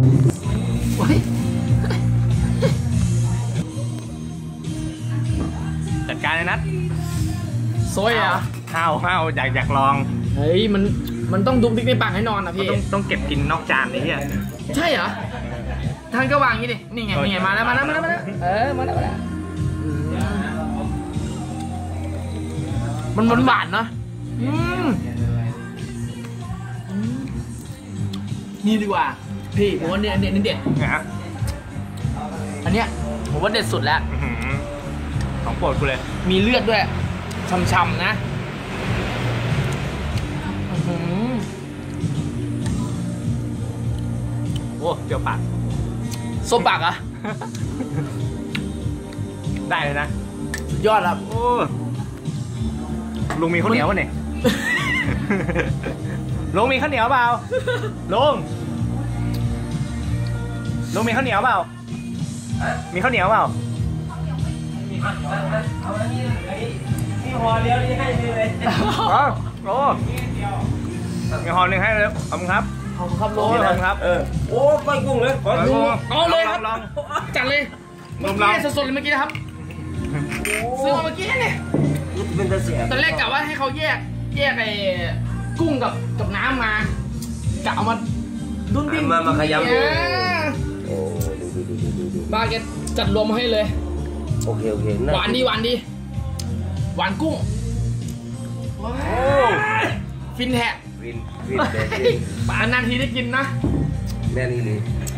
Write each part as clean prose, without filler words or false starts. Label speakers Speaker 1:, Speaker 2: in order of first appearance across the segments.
Speaker 1: จัดการเลยนัด
Speaker 2: โซยอ่ะ
Speaker 1: ห้าวอยากลอง
Speaker 2: เฮ้ยมันต้องดุกดิกในปากให้นอนนะพี่
Speaker 1: ต้องเก็บกินนอกจานนี่อ่ะ
Speaker 2: ใช่เหรอท่านก็วางอย่างนี้ดินี่ไงมาแล้วมาแล้วมันหวานนะนี่ดีกว่าพี่ผมว่าเนี่ยเด็ดอันเนี้ยผมว่าเด็ดสุดแล้ว
Speaker 1: ของโปรดกูเลย
Speaker 2: มีเลือดด้วยช่ำๆนะ
Speaker 1: โอ้เปรี้ยวปาก
Speaker 2: ส้มปากอะ
Speaker 1: ได้เลยนะ
Speaker 2: ยอดครับ
Speaker 1: โอ้ลุงมีข้าวเหนียวป่ะเนี่ยลุงมีข้าวเหนียวเปล่าลุงมีข้าวเหนียวเปล่ามีข้าวเหนียวเปล่ามีห่อเดียวนี่ให้เลยโอ้มีห่อหนึ่งให้เลยขอบคุณครับ
Speaker 2: ขอบคุณครับลุง
Speaker 1: ขอบคุณครับ
Speaker 3: โอ้ก้อยกุ้งเลย
Speaker 2: เอาเลยครับจัดเลยเมื่อกี้สดๆเลยเมื่อกี้นะครับซื้อมาเมื่อกี้เนี่ย
Speaker 3: เป็นตะเสีย
Speaker 2: ตอนแรกกะว่าให้เขาแยกไอ้กุ้งกับน้ำมากะเอามาดุนดิ้น
Speaker 3: มาขยำโอ้
Speaker 2: บาเกตจัดรวมมาให้เลย
Speaker 3: โอเค
Speaker 2: หวานดีหวานกุ้งฟินแท้
Speaker 3: ฟิน
Speaker 2: ป่านานทีได้กินนะ
Speaker 3: แน่นี่เลย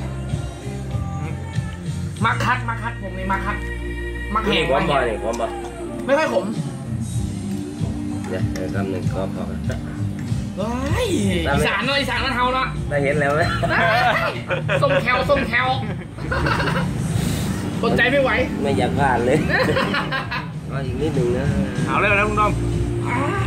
Speaker 2: มาคัดผมเลยมาแห้ง
Speaker 3: ความบ่อยความบ่
Speaker 2: ไม่ค่อยขม
Speaker 3: เนี่ยคำหนึ่งก็พอ
Speaker 2: อีสานเนาะอีสานมันเฮาเนาะ
Speaker 3: ได้เห็นแล้วไหม
Speaker 2: ส้มแคลสนใจไม่ไหว
Speaker 3: ไม่อยากพลาดเลยก็อีกนิดหนึ่งนะ
Speaker 1: เอาเลยนะลุงดอม